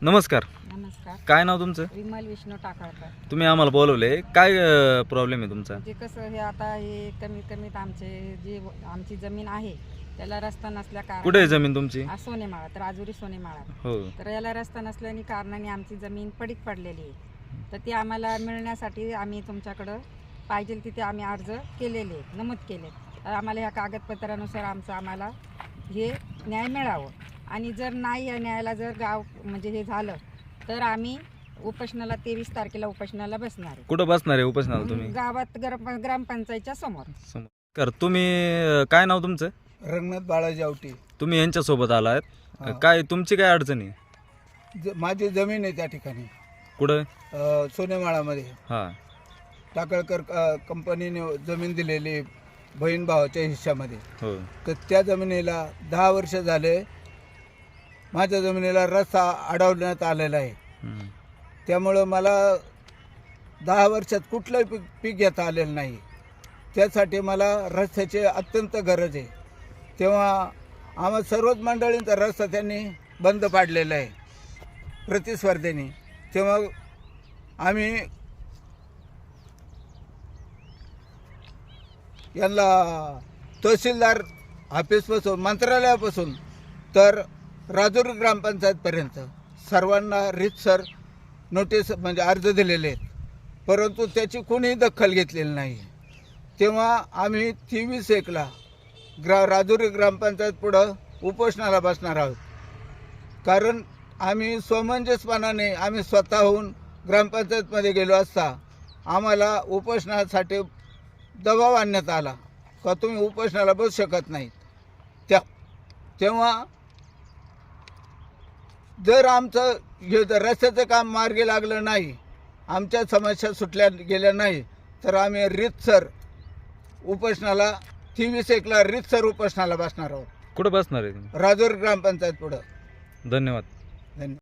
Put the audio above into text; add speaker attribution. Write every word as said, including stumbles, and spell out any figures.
Speaker 1: नमस्कार.
Speaker 2: नमस्कार.
Speaker 1: काय नाव तुमचं?
Speaker 2: विमल विष्णू टाकाळकर.
Speaker 1: तुम्ही आम्हाला बोलवले, काय प्रॉब्लेम आहे तुमचा?
Speaker 2: म्हणजे कसं हे आता हे कमीत कमीत आमचे जी आमची जमीन आहे त्याला रस्ता नसल्या कारण
Speaker 1: कुठे आहे जमीन तुमची?
Speaker 2: सोनेमाळा, तर राजुरी सोनेमाळा.
Speaker 1: हो.
Speaker 2: तर याला रस्ता नसल्याने कारणाने आमची जमीन पडीक पडलेली आहे. तर ती आम्हाला मिळण्यासाठी आम्ही तुमच्याकडं पाहिजे तिथे आम्ही अर्ज केलेले नमूद केले. तर आम्हाला ह्या कागदपत्रानुसार आमचं आम्हाला हे न्याय मिळावं. आणि जर नाही या न्यायाला जर गाव म्हणजे हे झालं तर आम्ही उपोषणाला तेवीस तारखेला उपोषणाला बसणार आहे.
Speaker 1: कुठं बसणार आहे उपोषणाला तुम्ही?
Speaker 2: गावात ग्राम ग्रामपंचायतच्या समोर.
Speaker 1: कर तुम्ही काय नाव तुमचं?
Speaker 3: रंगनाथ बाळाजी आवटी.
Speaker 1: तुम्ही यांच्यासोबत आलात.
Speaker 3: हा.
Speaker 1: काय तुमची काय अडचण आहे?
Speaker 3: ज- माझी जमीन आहे त्या ठिकाणी
Speaker 1: कुठं?
Speaker 3: अ, सोनेमाळामध्ये
Speaker 1: हां.
Speaker 3: टाकळकर अ, कंपनीने जमीन दिलेली आहे बहीण भावाच्या हिश्श्यामध्ये.
Speaker 1: हो.
Speaker 3: तर त्या जमिनीला दहा वर्ष झाले माझ्या जमिनीला रस्ता अडवण्यात आलेला आहे.
Speaker 1: हम्म.
Speaker 3: त्यामुळं मला दहा वर्षात कुठलंही पीक पीक घेता आलेलं नाही. त्यासाठी मला रस्त्याची अत्यंत गरज आहे. तेव्हा आम्हा सर्वच मंडळींचा रस्ता त्यांनी बंद पाडलेला आहे प्रतिस्पर्धेने. तेव्हा आम्ही यांना तहसीलदार ऑफिसपासून मंत्रालयापासून तर राजुरी ग्रामपंचायतपर्यंत सर्वांना रीतसर नोटीस म्हणजे अर्ज दिलेले आहेत, परंतु त्याची कोणीही दखल घेतलेली नाही. तेव्हा आम्ही तेवीस एकला ग्रा राजुरी ग्रामपंचायत पुढं उपोषणाला बसणार आहोत. कारण आम्ही समंजसपणाने आम्ही स्वतःहून ग्रामपंचायतमध्ये गेलो असता आम्हाला उपोषणासाठी दबाव आणण्यात आला का तुम्ही उपोषणाला बसू शकत नाहीत. त्या तेव्हा जर आमचं हे जर रस्त्याचं काम मार्गी लागलं नाही, आमच्या समस्या सुटल्या गेल्या नाही, तर आम्ही रीतसर उपोषणाला तेवीस एकला रीतसर उपोषणाला बसणार आहोत
Speaker 1: कुठं बसणार आहे तुम्ही?
Speaker 3: राजुरी ग्रामपंचायत पुढं.
Speaker 1: धन्यवाद.
Speaker 3: धन्यवाद.